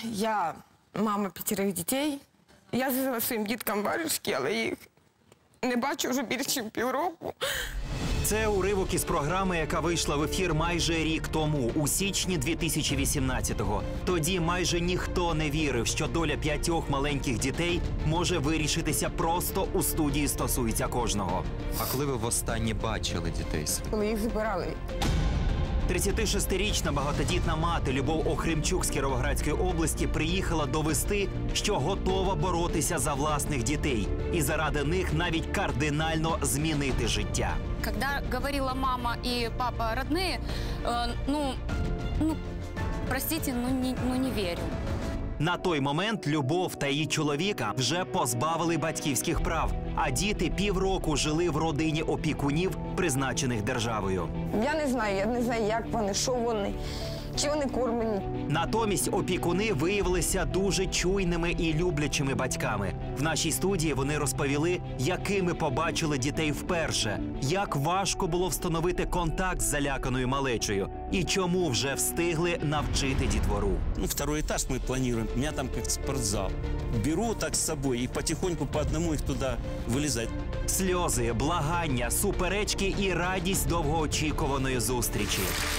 Я мама 5 дітей. Я зв'язала своїм діткам варежки, але їх не бачу вже більше ніж півроку. Це уривок із програми, яка вийшла в ефір майже рік тому, у січні 2018-го. Тоді майже ніхто не вірив, що доля 5 маленьких дітей може вирішитися просто у студії «Стосується кожного». А коли ви востаннє бачили дітей? Коли їх збирали. 36-річна багатодітна мати Любов Охримчук з Кіровоградської області приїхала довести, що готова боротися за власних дітей і заради них навіть кардинально змінити життя. Когда говорила мама и папа родные, простите, не верю. На той момент Любов та її чоловіка вже позбавили батьківських прав, а діти півроку жили в родині опікунів, призначених державою. Я не знаю, як вони, що вони, чи вони кормлені. Натомість опікуни виявилися дуже чуйними і люблячими батьками. В нашій студії вони розповіли, якими побачили дітей вперше, як важко було встановити контакт з заляканою малечею і чому вже встигли навчити дітвору. Второй этаж мы планируем, у меня там как спортзал. Беру так с собой и потихоньку по одному их туда вылезать. Сльози, благання, суперечки і радість довгоочікуваної зустрічі.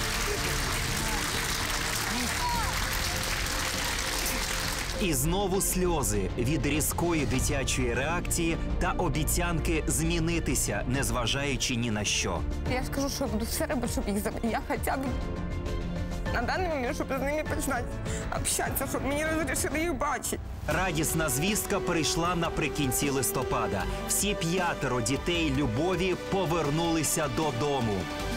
І знову сльози від різкої дитячої реакції та обіцянки змінитися, незважаючи ні на що. Я ж кажу, що я буду все робити, щоб їх забрати. Я хоча б на даний момент, щоб з ними починати общатися, щоб мені розрішили їх бачити. Радісна звістка прийшла наприкінці листопада. Всі 5 дітей Любові повернулися додому.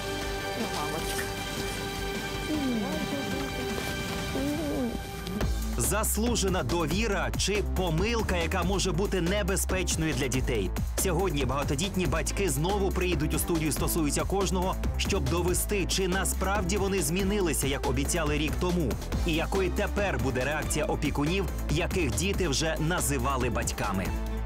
Заслужена довіра чи помилка, яка може бути небезпечною для дітей. Сьогодні багатодітні батьки знову приїдуть у студію «Стосується кожного», щоб довести, чи насправді вони змінилися, як обіцяли рік тому, і якою тепер буде реакція опікунів, яких діти вже називали батьками.